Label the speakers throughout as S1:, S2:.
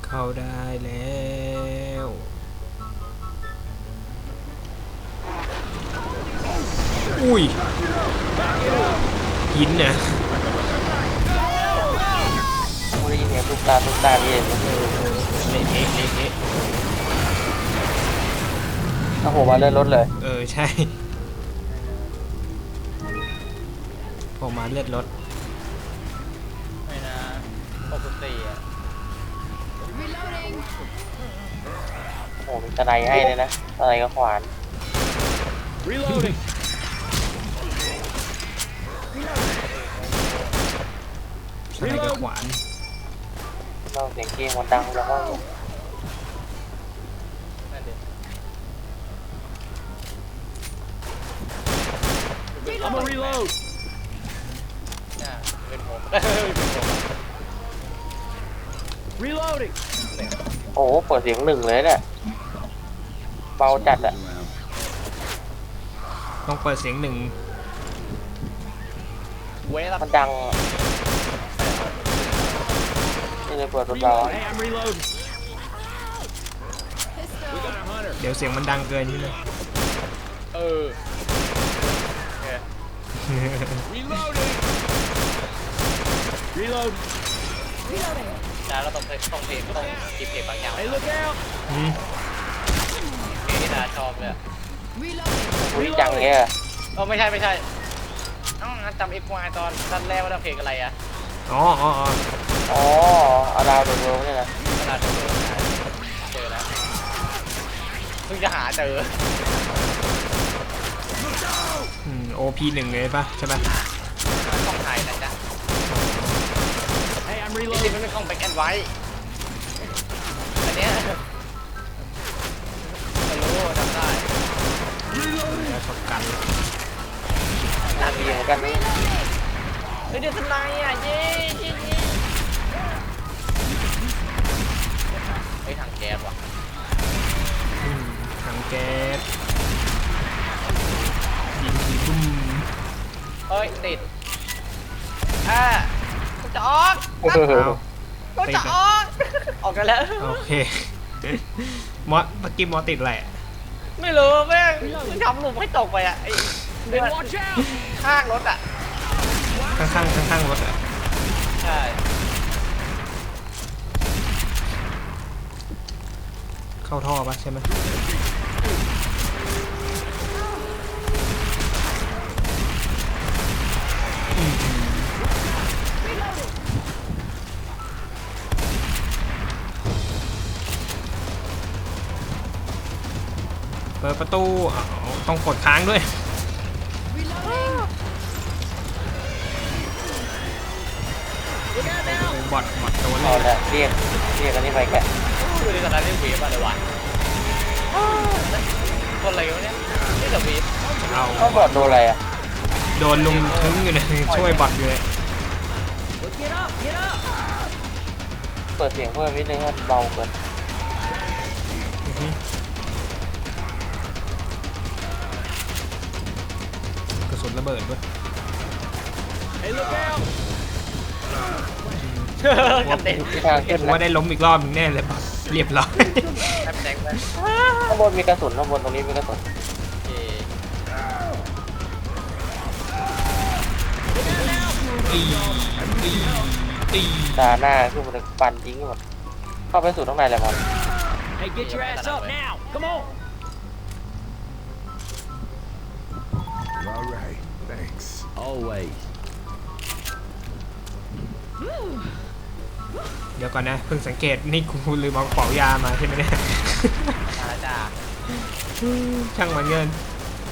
S1: เข้าได้แล้วอุ้ยหินนะ
S2: กูได้ยินเสียงตุ๊กตาพี่เอง
S1: เละเทะเละเทะ
S2: โอ้โหมาเลื่อนรถเลย
S1: ใช่ผมมาเลือดรถ
S3: ไม่นะปกติอ่ะ
S2: โอ้โหมีตะไนให้เลยนะตะไนกับขวาน
S1: สไนกับขวาน
S2: เราเสียงเกมมันดังแล้วก็
S3: นั่นดิ
S4: I'm a reload.
S3: น่าเป็นผมเป็นผม
S4: Reloading.
S2: โอ้โหเปิดเสียงหนึ่งเลยเนี่ยเบาจัดอะ
S1: ต้องเปิดเสียงหนึ่ง
S3: เว้ยละ
S2: มันดังนี่เลยเปิดรถเบา
S4: Reload. Hey, I'm reloading. We got a hunter.
S1: เดี๋ยวเสียงมันดังเกินใช่ไหม
S3: เออโอเค
S4: Reloading. Reload.
S3: นะเราต้องเพลงต้องกินเพลงบางอย่าง
S4: Hey, look out.
S3: เพลงที่นาชอบเลย
S2: อุ้ยจังเงี้ย
S3: ไม่ใช่งั้นจำเอ็กซ์วายตอนท่านแรกว่าเพลงอะไรอ่ะ
S1: อ๋อ
S2: เอาดาวโดนเวิร์กเนี่ยนะ
S3: เวลาเจอแล้วเพิ่งจะหาเจอ
S1: OP หนึ่งเลยปะใช่ปะ
S3: กล้องถ่ายนะจ๊ะ
S4: Hey, I'm
S3: จริง
S4: reloading.
S3: ๆมันเป็นกล้องแบ็คแอนด์ไวท์อันเนี้ยไม่รู้จำได้
S1: ประสบการณ์
S2: น่าดีเหมือนกันนี่
S3: เฮ้ยเดือดทนายอ่ะเย้เฮ้ยถังแก๊สว่ะ
S1: ถังแก๊สยิงทีบุ้ม
S3: เฮ้ยติดกูจะออก
S1: เอา
S3: กูจะออกกันแล้ว
S1: โอเคเมื่อกี้มอติดอะไรอะ
S3: ไม่รู้แม่งมึงทำหลุมให้ตกไปอ่ะไอ้เดือด
S4: Watch out.
S3: ข้างรถอ่ะ
S1: ข้างรถอะ
S3: ใช่
S1: เข้าท่อปะใช่ไหมเปิดประตูต้องกดค้างด้วยบอทตัวเล
S2: เอา
S1: ย
S2: ละเรียกอันนี้ไปแกะ
S3: ดูดิตอนนั้นเล่นเวฟอะไรวะคนอะไรวะเนี่ยนี่แต่เวฟ
S1: เอา
S2: ต้องบอดโดนอะไรอ่ะ
S1: โดนลุงทึ้งอยู่เลยช่วยบอทอยู่เลย
S2: เปิดเสียงเพิ่มนิดนึงให้เบาเกิน
S1: กระสุนระเบิดด้วย
S4: Hey, look out.
S3: กันเด็น
S2: ที่ทางขึ้น
S1: ผม
S2: นะ
S1: ว่าได้ล้มอีกรอบนึงแน่เลยบอทเรียบร้อย
S3: แทบแดงไป
S2: ข้างบนมีกระสุนข้างบนตรงนี้มีกระสุน
S1: ตี
S2: ตาหน้าขึ้นมาเลยฟันทิ้งหมดเข้าไปสู่ข้างในเลยมั้ง
S4: Hey, get your ass up now. Come on.
S5: All right, thanks.
S4: Always.
S1: เดี๋ยวก่อนนะเพิ่งสังเกตนี่กูลืมเอากระเป๋ายามาใช่ไหมเนี่ย
S3: มาจ้า
S1: ช่างมันเงิน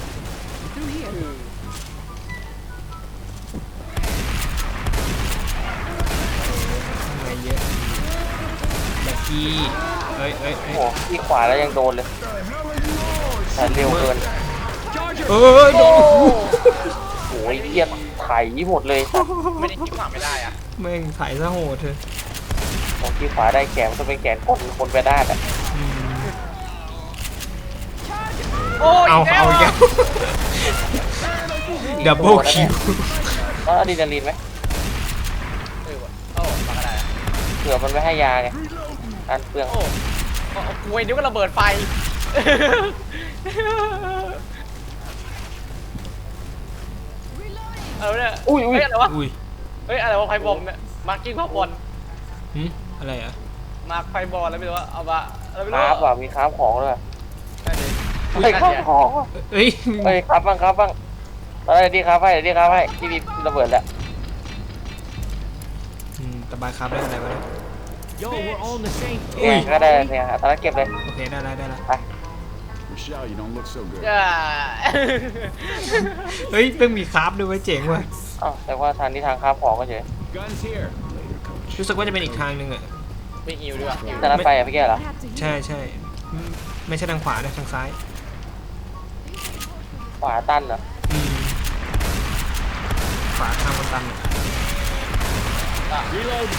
S1: ทำไมเยอะแบกกี้เอ้ย
S2: โอ้โหที่ขวาแล้วยังโดนเลยแต่เร็วเกิน
S1: โดน
S2: โอ้ยเกียร์ไถหมดเลย
S3: ไม่ได้คิดหวังไม่ได้อ่ะ
S1: แม่งถ่ายซะโหดเถอะ
S2: ของที่ขวาได้แขนมันต้องเป็นแขนคนไปได้อะ
S3: โอ้ย
S1: เอาอีกแล้วดับเบิลคิว
S2: แล้วอะดรีนาลีนไหม
S3: โอ้มาก็ได้
S2: เผื่อมันไม่ให้ยาไงการเปลือง
S3: โอ้กูไอ้นิ้วก็ระเบิดไฟอะไรเนี่ย
S2: อุ้ย
S3: เฮ้ยอะไรวะ
S1: อุ้ย
S3: เฮ้ยอะไรวะไฟบอมเนี่ยมาร์กิ้งภาพบอล
S1: หึอะไรอ่ะ
S3: มาร์คไฟบอลอะไรไม่รู้ว่าเอามาอะไรไม่
S2: ค
S3: รู้
S2: ราฟอ่ะมีคราฟของด้วย
S3: นั่นดิ
S2: เฮ้ยคราฟของ
S1: เอ้ย
S2: เฮ้ยครับบ้างอะไรดีครับให้ดีครับให้ที่มีระเบิดแล้ว
S1: ตะบายครับได้อะไรวะเนี่ย
S4: Yo, we're all in the same
S2: เนี่ย
S4: team.
S2: ก็ได้เนี่ยตอนนั้นเก็บเลย
S1: โอเคได้แล้วได้แล้ว
S5: Michelle, you don't look so good.
S3: จ้า
S1: เฮ้ยเพิ่งมีคราฟด้วยเว้ยเจ๋งว่ะ
S2: อ้าวแต่ว่าทางนี้ทางคราฟของก็เฉย
S5: Guns here. Later, coach.
S1: รู้สึกว่าจะเป็นอีกทางหนึ่งอ่ะ
S3: ไม่หิวดีกว่าหิว
S2: แต่นั้นไปอ่ะพี่แกเหรอ
S1: ใช่ใช่ไม่ใช่ทางขวานะทางซ้าย
S2: ขวาตันเหรอ
S1: อืมขวาทางมันตันอะ
S4: Reload.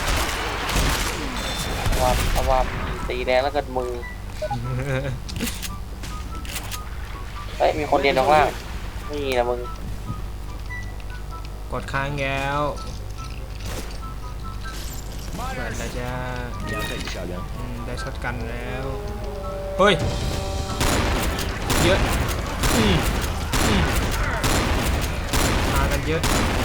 S2: ว่าตีแดงแล้วเกิดมือเฮ้ยมีคนเรียนข้างล่างนี่นะมึง
S1: กดค้างแล้วเปิดแล้วจ้า
S4: Yeah, I'll take the shotgun.
S1: ได้ช็อตกันแล้วเฮ้ยเยอะมากันเยอะ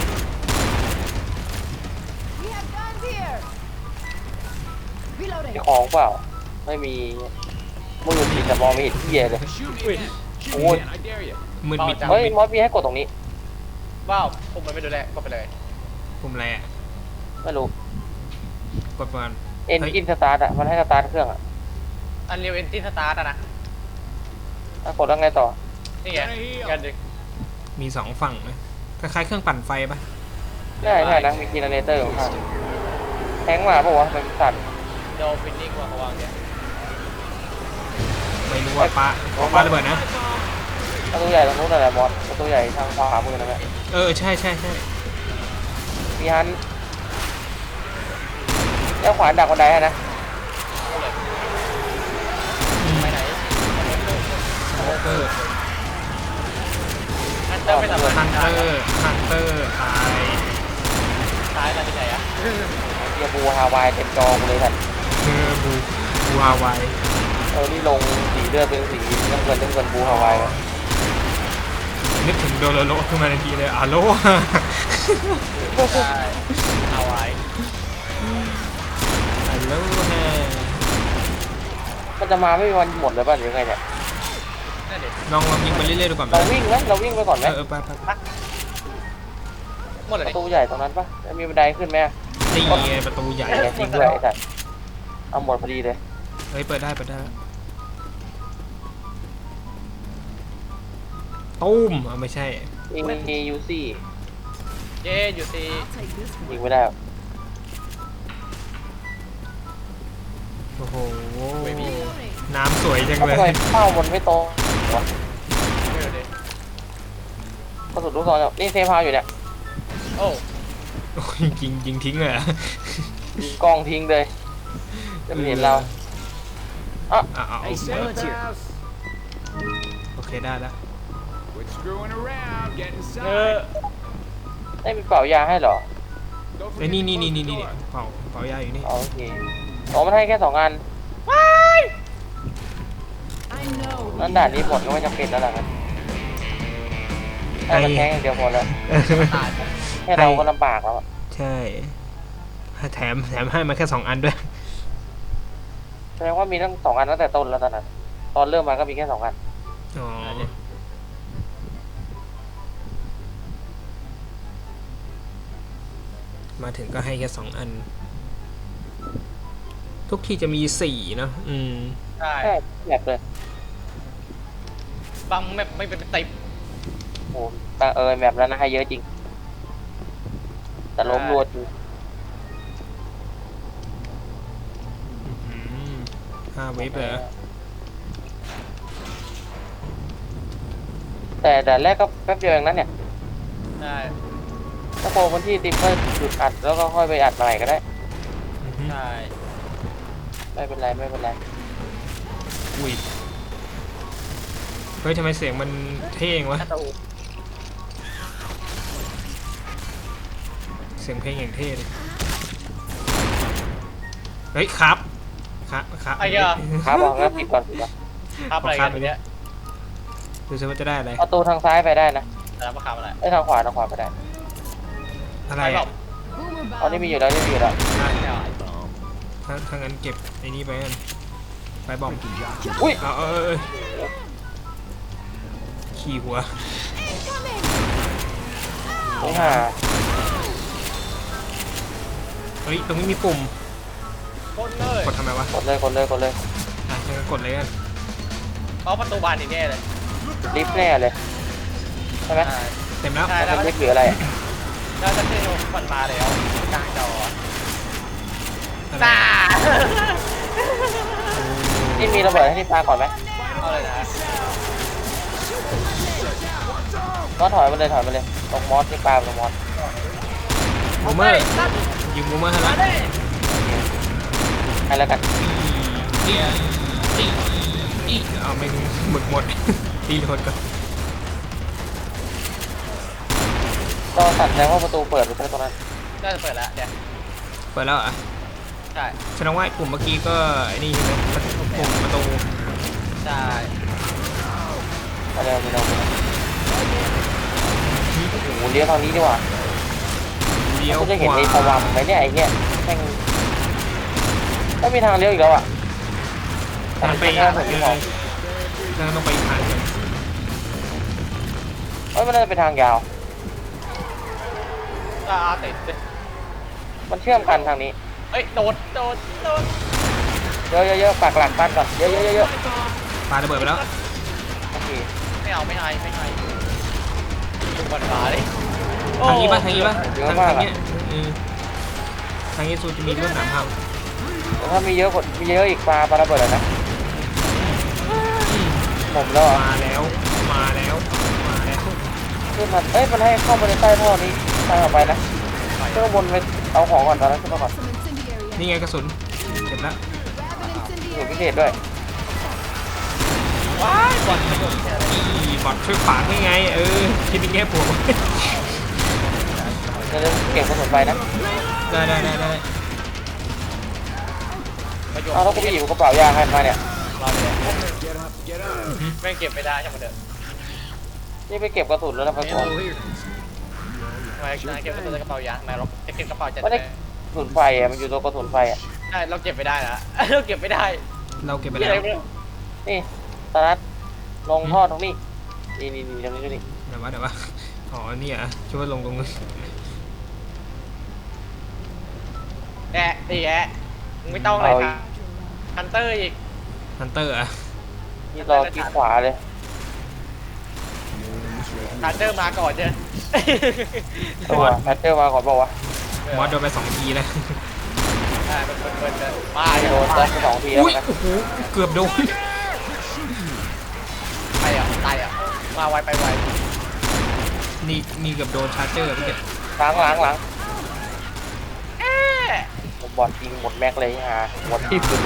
S6: We have guns here.
S2: มี
S6: Reloading.
S2: ของเปล่าไม่มีมือปิดแต่มองไม่เห็นที่เลย
S5: Shoot me. Shoot
S2: Ôi.
S5: me, man. I dare you.
S1: มืดมิด
S2: เฮ้ยมอสมีให้กดตรงนี้
S3: ว้าวผมมันไม่ดูแลก็ไปเลย
S1: ปุ่มอะไรอ่ะ
S2: ไม่รู้
S1: กดก่อน
S2: เอ็นกินสตาร์ทอ่ะมันให้สตาร์ทเครื่องอ่ะ
S3: อันเรียวเอนจินสตาร์ทอะนะ
S2: กดแล้วไงต่อ
S3: นี่ไงกันดึง
S1: มีสองฝั่งนะคล้ายๆเครื่องปั่นไฟปะ
S2: ใช่นะมีจีเนเรเตอร์ของข้างแทงมาปะวะเป็นสั่น
S3: โดฟินนิ่งวางวางเนี่ย
S1: ไม่รู้ว่าปลาระเบิดนะ
S2: ประตูใหญ่ตรงนู้นอะไรมอสประตูใหญ่ทางขวามือนะแม่
S1: ใช่ใช่ใช่
S2: มีฮันแล้วขวานดักบันไดให้นะ
S3: ไปไหน
S1: เออ
S3: อันเตอร์ไม่สำคัญ
S1: ฮันเตอร์ตาย
S3: ซ้ายอะไรที่ไหนอะ
S2: เกียร์บูฮาวายเต็มจอกูเลยท่าน
S1: บูฮาวาย
S2: นี่ลงสีเลือดเป็นสีน้ำเงินบูฮาวาย
S1: นึกถึงโดโลโลขึ้นมาทันทีเลยอาโล
S3: ใช่เอาไว้
S1: อาโลฮะ
S2: มันจะมาไม่มีวันหมดเลยป่ะหรือไงเนี่ย
S3: นั่นดิ
S1: ลองยิงไปเรื่อยๆดูก่อนไหม
S2: เราวิ่งไหมเราวิ่งไปก่อนไหม
S1: ไป
S3: หมดเลย
S2: ป
S3: ดิ
S2: ระตูใหญ่ตรงนั้นปะแล้วมีบันไดขึ้นไหม
S1: นี่ไงประตูใหญ่
S2: จริงด้วยไอ้สัตว์เอาหมดพอดีเลย
S1: เฮ้ยเปิดได้ตุ้มไม่ใช่
S2: มียูซี่
S3: เย่อยู่ซี
S6: I'll take this
S2: ยิง
S6: one.
S2: ไม่ได้
S1: โอ้โห
S6: Reloading.
S1: น้ำสวยจัง
S2: ทำ
S1: เลย
S2: ไมเป้ามันไม่ตรงวะ
S3: ไม่ดูดิ
S2: กระสุนลูกซองเนี่ยนี่เซฟพาวอยู่เนี่ย
S3: โอ้
S1: โอ้ยยิงทิ้งเลยอะ
S2: ยิงกล้องทิ้งเลยจะไม่เห็นเรา
S1: เอา
S4: Hey, Sal's here.
S5: House.
S1: โอเคได้แล้ว
S5: Quit screwing around. Get
S3: เออ
S5: inside.
S2: ได้มีเป่ายาให้เหรอ
S5: Don't
S1: เอ้ย
S5: forget
S1: นี่
S5: to close the door.
S1: เป่ายาอยู่นี่
S2: อ๋อโอเคอ๋อมันให้แค่2 อัน
S6: I know.
S2: นั่นด่านนี้หมดก็ไม่จำเป็นแล้วล่ะครับให้มันแทงอย่างเดียวพอแล้ว
S3: ตาย
S2: แค่เราก็ลำบากแล้วอะ
S1: ใช่แถมให้มาแค่2 อันด้วย
S2: แสดงว่ามีทั้ง2 อันตั้งแต่ต้นแล้วตอนนั้นตอนเริ่มมาก็มีแค่2 อัน
S1: อ๋อมาถึงก็ให้แค่2 อัน ทุกที่จะมี4เนอะ
S3: ใช่
S2: แค่แบบเลย
S3: บางแมปไม่เป็นติบ
S2: โอ้แบบนั้นนะให้เยอะจริง แต่ล้มรัวจริง
S1: 5 เวฟเลยเหรอ
S2: แต่ด่านแรกก็แป๊บเดียวเองนั้นเนี่ย
S3: ใช่
S2: ถ้าโปรคนที่ติมก็หยุดอัดแล้วก็ค่อยไปอัดใหม่ก็ได้
S3: ใช่
S2: ไม่เป็นไรไม่เป็นไร
S1: อุ้ยเฮ้ยทำไมเสียงมันเท่งวะ
S3: ถ้าตู
S1: เสียงเพลงอย่างเท่เลยเฮ้ยครับคะ
S3: ไอ้เหี้ย
S2: ครับบอกงั้นปิดก่อนปิดก่อน
S3: ทับอะไรกันทีเนี้ย
S1: ดูซิว่าจะได้อะไร
S2: ประตูทางซ้ายไปได้นะ
S3: แต่มาขับอะไร
S2: ไอ้ยทางขวาไปได้
S1: อะไร
S3: ไม่บอ
S1: อ่ะ
S3: ก
S6: Boomer
S2: อ๋อนี่
S6: bomb.
S2: มีอยู่แล้วนี่มีอยู่แล้ว
S1: ถ้างั้นเก็บไอ้นี่ไปกันไปบอม
S2: อุ้ย
S1: เอาขี่หัว
S2: ไม่ห่า
S1: เฮ้ยตรงนี้มีปุ่ม
S3: คนเลย
S1: กดทำไมวะ
S2: กดเลย
S1: อ่ะงั้นกดเลยกัน
S3: เอาประตูบานนี่แน่เลย
S2: ลิฟต์แน่เลยใช่ไหม
S1: เต็มแล้ว
S3: ใช่
S2: มันเป็นลิฟต์หรืออะไรอะ
S3: แล้วจะเชื่อมันมาแล้วกลางจอ
S1: อะไร
S3: ตา
S2: ที่มีระเบิดให้ที่ปาก่อนไหม
S3: เอาเลยนะ
S2: ก็ถอยมาเลยตรงมอสที่ปาตรงมอส
S1: บูมเมอร์ยิงบูมเมอร์ให้แล้ว
S2: ให้แล้วกัน
S1: เอาไม่หมด ตีโหลดก่อน
S2: ก็สั่นแสดงว่าประตูเปิดไปแค่ตรงนั้น
S3: น่าจะเปิดแล้วเดี๋ยว
S1: เปิดแล้วอ่ะ
S3: ใช่
S1: แสดงว่าไอ้ปุ่มเมื่อกี้ก็ไอ้นี่ใช่ไหมปุ่มประตู
S3: ใช่
S2: มาเร็วโอ้โหเลี้ยวทางนี้ดีกว่า
S1: เลี้ยว
S2: คุณจะ
S1: ข
S2: เห็น
S1: วา
S2: ไอ้สว่างไหมเนี่ยไอ้เนี่ยแม่งไม่มีทางเลี้ยวอีกแล้วอ่ะ
S1: มันไป
S2: แค่ผมที่มอง
S1: แล้วต้องไปอีกทางหนึ่ง
S2: มันน่าจะเป็นทางยาว
S3: ติด
S2: มันเชื่อมกันทางนี้
S3: เฮ้ยโดด
S2: เยอะปักหลักปั้นก่อนเยอะ
S1: ปาระเบิดไปแล้ว
S2: โอเค
S3: ไม่เอาไม่ดูบอลมาเลย
S1: ทางนี้ป่ะทางนี้เนี้ยทางนี้สูจะมีเรื่องหนามพัง
S2: แต่ถ้ามีเยอะอีกปลาระเบิดนะผมแล้วอ่ะ
S1: มาแล้ว
S2: ขึ้นมามันให้เข้ามาในใต้ท่อนี้ทางออกไปนะเครื่องบนไปเอาของก่อนตอนนั้นขึ้นมาก่อน
S6: Some incendiary.
S1: นี่ไงกระสุนเก็บแล้ว
S6: Grab an
S2: อยู่
S6: incendiary.
S2: พิเศษด้วย
S3: ว้ายบอล
S1: บอดช่วยขวางยังไงคิดในแง่บวก
S2: เดี๋ยวเก็บกระสุนไปนะ
S1: ได้
S2: เอาแล้วกูไปหยิบกระเป๋ายาใครมาเนี่ย
S3: รอเลย
S5: Get up, get up.
S3: ไม่เก็บไม่ได้ใช่ไหมเด้อ
S2: นี่ไปเก็บกระสุนแล้วนะไปก่อน
S5: Ammo here.
S3: ทำไมเก็บกระเป๋ายาทำไมเราจะเก็บกระเป๋าจัด
S2: ไม่ได้กระสุนไฟอ่ะมันอยู่ตรงกระสุนไฟอ่ะ
S3: ใช่เราเก็บไม่ได้นะเราเก็บไม่ได้
S1: เราเก็บไป
S3: ที่
S1: แล้
S3: ไหน
S1: ว
S2: นี่ตานัดลงท่อตรงนี้นี่ตรงนี้
S1: เดี๋ยววะอ๋อนี่อ่ะช่วยลงตรงนี้
S3: แอะไม่ต้องเลยครับฮันเตอร์อีก
S1: ฮันเตอร์อ่ะ
S2: นี่รอที่ขวาเลย
S3: ฮันเตอร์มาก่อนเจ้
S2: ตัวแพทเทอร์มาก่อนบอกว่าม
S1: อสโดนไป2 ทีแล้ว
S3: มา
S2: โดนซ้ำ2 ทีแล้ว
S1: อุ้ย
S2: นะ
S1: โอ้โหเกือบโดน
S3: ตายอ่ะมาไวไปไว
S1: นี่เกือบโดนชาร์เจอร์พี่เก็บ
S2: หลังผมบอลยิงหมดแม็กเลยฮะหมดที่สุด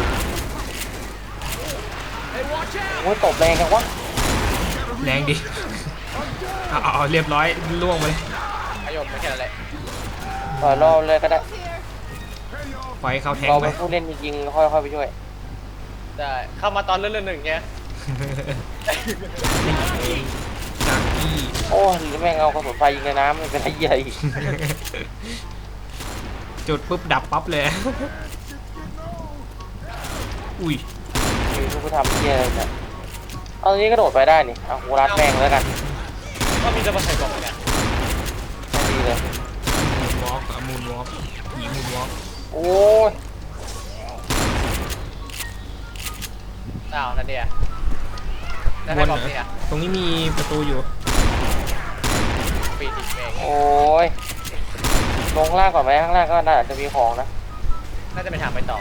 S2: โอ้ยตบแรงจังวะ
S1: แรงดิเอาเรียบร้อยล่วงไปเลย
S3: ประโยชน์ไม่แค่นั้นแหละ
S2: รอเลยก็ได้
S1: ปล่อยให้เขาแทง
S2: เรา
S1: ไป
S2: เป็นผู้เล่นจริงๆค่อยๆไปช่วย
S3: ได้เข้ามาตอนเลื่อนหนึ่งเงี้ย
S1: จากที่
S2: โอ้ยแม่งเอากระสุนไฟยิงในน้ำมันเป็นไอ้ใหญ่
S1: จุดปุ๊บดับปั๊บเลยอุ้ย
S2: มีผู้ทำเหี้ยอะไรเนี่ยเอาตรงนี้กระโดดไปได้นี่เอากูรัดแม่งแล้วกัน
S3: ก็มีจะมาใส่กล่องเนี่ย
S2: ไม่ดีเลย
S1: มูนวอล์กผีมูนวอล์ก
S2: โอ้ย
S3: อ้าวนั่นเดียแล้ว
S1: ว
S3: ให้
S1: น
S3: บ
S1: เหร
S3: อก
S1: อ
S3: เนี่ย
S1: ตรงนี้มีประตูอยู่
S3: ปีติดเอง
S2: โอ้ยลงล่างก่อนไหมข้างล่างก็น่าจะมีของนะ
S3: น่าจะเป็นทางไปต่อ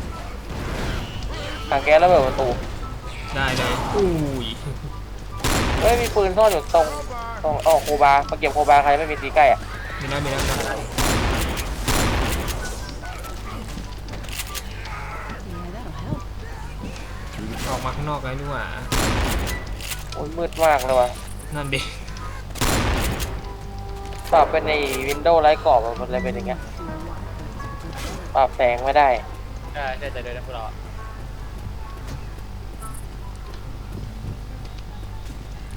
S2: ถังแก๊สระเบิดประตู
S1: ได้เลยอุ้ย
S2: เฮ้ยมีปืนซ่อนอยู่ตรงโคบามาเก็บโคบาใครไม่มีตีใกล้อ่ะ
S1: มีแล้ว
S6: Yeah, that'll help.
S1: ออกมาข้างนอกแล้วนี่หว่า
S2: โอ้ยมืดมากเลยว่ะ
S1: นั่นดิ
S2: ปรับเป็นในวินโดว์ไร้กรอบมันเลยเป็นอย่างเงี้ยปรับแสงไม่ได้
S3: ใช่เดินนะพวกเรา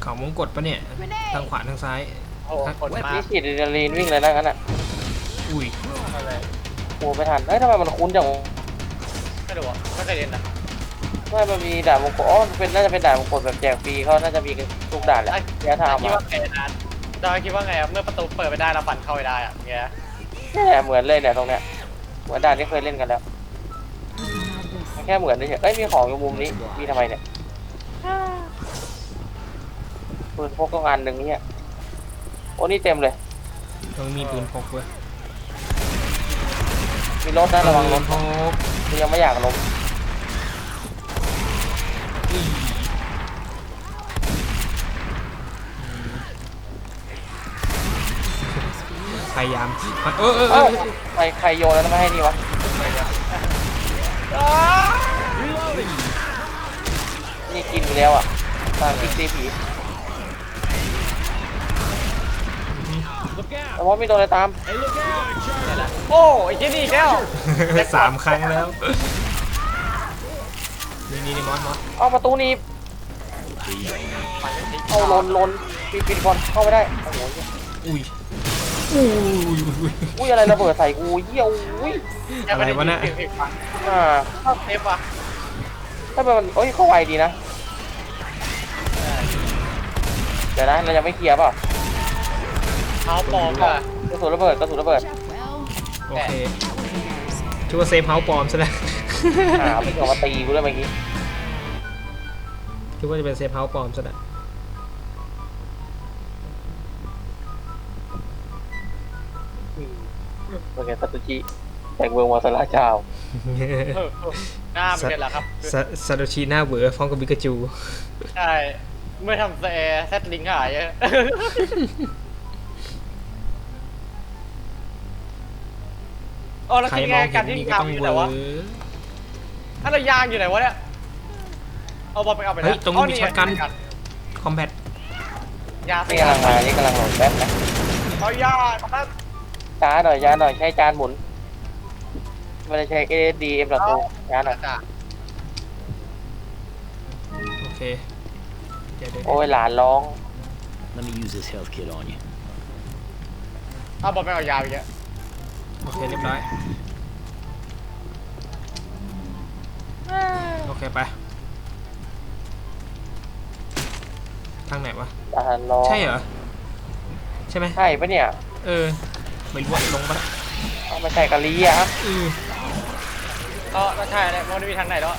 S1: เขามงกฎปะเนี่ยทางขวาทางซ้าย
S3: โอ้โหคนมา
S2: นี่ฉีดอะดรีนาลีนวิ่งเลยนะงั้นอ่ะ
S1: อุ้ย
S2: โอ้ไม่ทันเฮ้ยทำไมมันคุ้นจัง
S3: ไม่รู้อ่ะไม่เคยเรียนนะ
S2: ไม่มันมีด่านมงกฎอ๋อมันเป็นน่าจะเป็นด่านมงกฎแบบแจกฟรีเขาน่าจะมีทุกด่านแหละระยะทาง
S3: คิด
S2: มา
S3: ว่าไงนะจอยคิดว่าไงอะเมื่อประตูเปิดไปได้เราปั่นเข้าไปได้อะเงี้ย
S2: เนี่ยเหมือนเลยเนี่ยตรงเนี้ยเหมือนด่านที่เคยเล่นกันแล้วแค่เหมือนเฉยเอ้ยมีของอยู่มุมนี้มีทำไมเนี่ยปืนพกก็งานหนึ่งเนี่ยโอ้นี่เต็มเลย
S1: ต้องมีปืนพกเว้ย
S2: มีรถนะระวังรถ
S1: พก
S2: กูยังไม่อยากล้ม
S1: พยายาม
S2: เอ้าใครโยนแล้วไม่ให้นี่วะนี่กินไปแล้วอ่ะตามพิกซีผีแต่ว่ามีโดนอะไรตาม
S3: โอ้ยที่นี่อีกแล้ว
S1: สามครั้งแล้วนี่มอส
S2: เอาประตูหนี้เอาลนปิดก่อนเข้าไม่ได้โอ้โห
S1: อุ้ย
S2: อุ้ยอะไรระเบิดใส่กูเยี่ยวอุ้ย
S1: อะไรวะเนี่ย
S2: เข้า
S3: เทปอ่ะ
S2: ถ้ามันเอ้ยเข้าไวดีนะเดี๋ยวนะเรายังไม่เคลียร์เปล่า
S3: เท้าปลอมอ่ะ
S2: กระสุนระเบิด
S6: Well,
S1: โอเคชื่อว่าเซฟเฮาส์ปลอมซะแล้ว
S2: ไม่เกี่ยวมาตีกูด้วยเมื่อกี้
S1: คิดว่าจะเป็นเซฟเฮาส์ปลอมซะแล้ว
S2: เป็นไงซาตุชิแต่งเมืองวาซาระเจ้า
S3: หน้าเป็นไงล่ะครับ
S1: ซาโตชิหน้าเวอร์ฟ้องกับบิกาจู
S3: ใช่เมื่อทำแซดลิงหายอะอ๋อแล้ว
S1: ใคร
S3: คือ
S1: ม
S3: ไง
S1: อง
S3: กา
S1: เห็
S3: ร
S1: น
S3: ที่
S1: นี่ก็
S3: ยาง
S1: ต้อง
S3: อยู่
S1: เว
S3: ไหน
S1: อ
S3: วะ
S1: ร์
S3: ถ้าเรายางอยู่ไหนวะเนี่ยเอาบอลไปเอาไป
S1: เฮ้ยตรงนี้มีช็อตกัน
S3: ย
S1: คอมแบท
S3: ยา
S2: นี่กำลังมานี่กำลังหลงแป๊บนะ
S3: เอายาครับ
S2: ช้าหน่อยใช้จานหมุนไม่ได้ใช้ ASD M.2 ช้าหน่อย
S1: โอเคเดี๋ยว
S2: โอ้ยหลานร้อง
S4: Let me use this health kit on you.
S3: เอาบอลไปเอายาไปเยอะ
S1: โอเคเรียบร้อยโอเคไปทางไหนวะ
S2: หลานร้อง
S1: ใช่เหรอใช่ไหม
S2: ใช่ปะเนี่ย
S1: ไม่รู้ว่าลงปะ
S2: เอามาใส่กะลีอะครับ
S3: ก็ใช่เลยมันไม่มีทางไหนแล้ว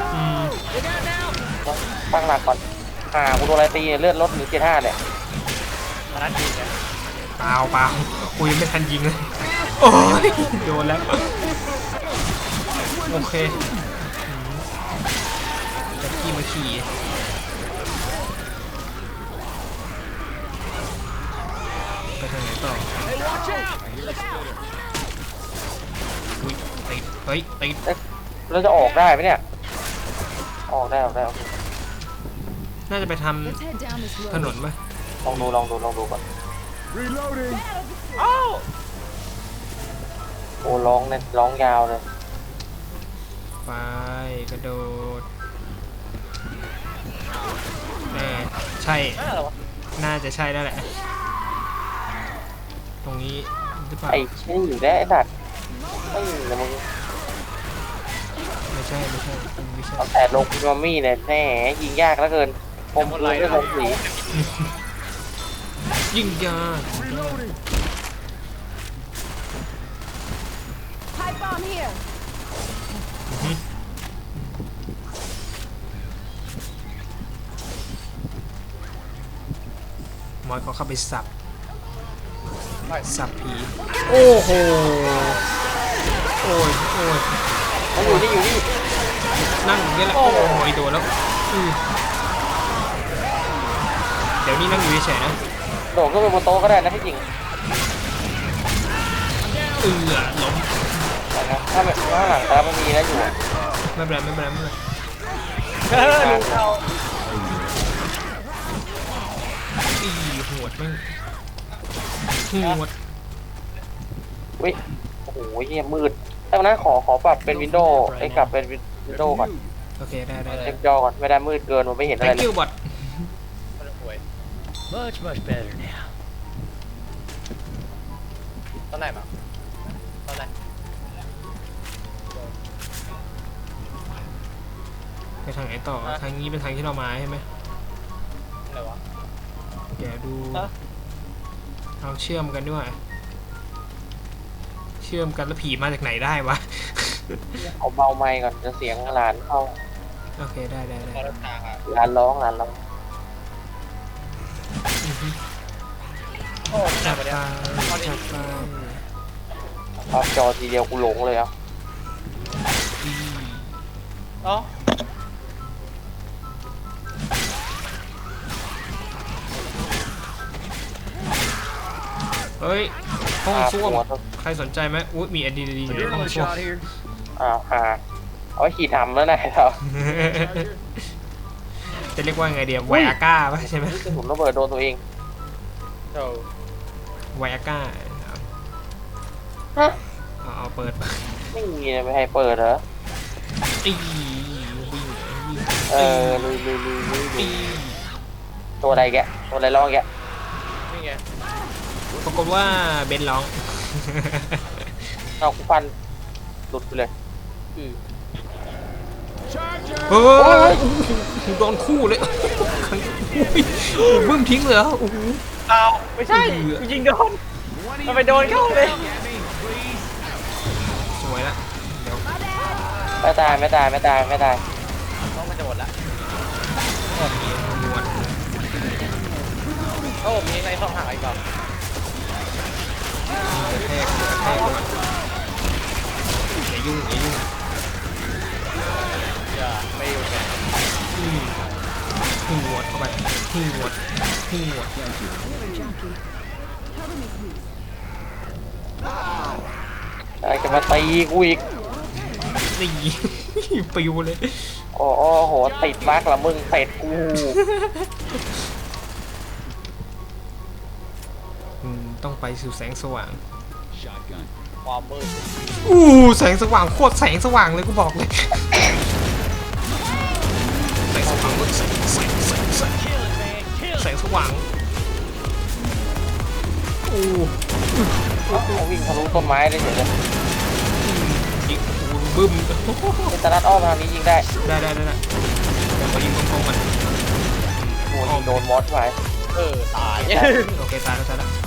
S2: ตั้งหลักก่อนกูโดนอะไรตีเลือดลดหรือ75เนี่ย
S3: มันนั่นจริงเนี่ย
S1: เปล่ากูยังไม่ทันยิงเลยโอ้ยโดนแล้วโอเคจะขี่มาขี่ไปทางไหนต่ออุ้ยติดเฮ้ยติด
S2: เราจะออกได้ไหมเนี่ยออกได้
S1: น่าจะไปท
S6: let's head down this
S1: ำ
S6: road.
S1: ถนนปะ
S2: ลองดูก่อน
S5: Reloading.
S3: อ้าว
S2: โอ้ร้องเนี่ยร้องยาวเลย
S1: ไปกระโดดใช่
S3: นั่นเหรอวะ
S1: น่าจะใช่แล้วแหละ ตรงนี้หรือเปล่า
S2: ไอ้เชี่ยอยู่ได้ไอ้สัตว์ไม่อยู่เลยมึง
S1: ไม่ใช่
S2: เอาแต่ลงพิมมี่เนี่ยแหมยิงยากเหลือเกินผมพูดด้วยผมสี
S1: ยิงยา
S6: Pipe bomb here.
S1: มอยเขาเข้าไปสับ
S3: ไป
S1: สับผี โอ้โห โอ้ย
S2: มันอยู่นี่
S1: นั่งอย่างนี้แหละ โอ้ยโดนแล้วเดี๋ยวนี้นั่งอยู่เฉยๆนะ
S2: โดดขึ้นไปบนโต๊ะก็ได้นะที่จริง
S1: ล้ม
S2: นะถ้าไม่ข้างหลังตามันมีนะอยู่
S1: ไม่เป็นไร
S3: ดูเขา
S1: หวดแม่งหวด
S2: อุ้ยโอ้โหเฮียมืดแต่วันนั้นขอปรับเป็นวินโดว์ไอ้กลับเป็นวินโดว์ก่อน
S1: โอเคได้
S2: เต็มจอก่อนไม่ได้มืดเกินมันไม่เห็นอะไร
S1: thank
S2: เลย
S1: you bot
S3: มันห่วย
S4: Much better now.
S3: ตอนไหนมาตอนไหน
S1: ไปทางไหนต่อทางนี้เป็นทางที่เรามาใช่ไหม
S3: อะไรวะ
S1: แกดู
S3: ฮะ
S1: เราเชื่อมกันด้วยเชื่อมกันแล้วผีมาจากไหนได้วะ
S2: เอาเบาไมค์ก่อนจะเสียงหลานเข้า
S1: โอเคได้
S3: พอรถทางอ่ะ
S2: หลานร้องหลานร้อง
S3: โอ้หนั
S1: จั
S3: ก
S1: บ
S3: กว่าเนี้
S1: ตาย จับตา
S2: พับจอทีเดียวกูหลงเลยอ่ะ
S3: เอ๋อ
S1: เฮ้ยห้องส้วม
S2: หัว
S1: ใครสนใจไหมอุ๊ยมีอดีดีอยู่ในห้อง
S4: Adrenaline
S1: ส้วม
S4: shot here.
S2: เอาไว้ขี่ทำแล้วนะครับ
S1: จะเรียกว่าไงเดียวไวอาก้าปะใช่ไหม
S2: กระสุนระเบิดโดนตัวเอง
S3: โอ้
S1: ไวอาก้า
S2: ฮะ
S1: เอาเปิดปะ
S2: ไม่มีเลยไม่ให้เปิดเหรอ
S1: ตีวิ่ง
S2: เออลุย
S1: ตี
S2: ตัวอะไรแกตัวอะไรร้องแก
S3: นี่ไง
S1: ปรากฏว่าเบนร้อง
S2: เอากูฟันหลุดไปเลย
S1: เฮ้ยโดนคู่เลยบึ้มทิ้งเลยเหรอโอ้โห
S3: อ้าวไม่ใช่กูยิงโดนมันไปโดนเข้าเลย
S1: สวยละเดี๋ยว
S2: ไม่ตาย
S3: ต้องมันจะหมดละ
S1: นวด
S3: โอ้มีในช่องหางอีกก่อน
S1: กระแทกก่อนอย่ายุ่ง
S3: อย่าไม่อยู่แก
S1: หวดเข้าไปหวด
S2: อะไรจะมาตีกูอีก
S1: นี่ ปิวเลย
S2: โอ้โหติดมากละมึงเตะกู
S1: ต้องไปสู่แสงสว่าง
S4: Shotgun.
S3: ความมืด
S1: แสงสว่างโคตรแสงสว่างเลยกูบอกเลยแสงสว่างแสงสว่าง
S2: วิ่งทะลุต้นไม้เลยเฉยเลย
S1: ยิงบึ้ม
S2: เป็นตะลัดอ้อมทางนี้ยิงได้
S1: ได้เดี๋ยวมายิงตรงๆมัน
S2: โอ้ยิงโดนมอสไป
S3: ตาย
S1: โอเคตายแล้ว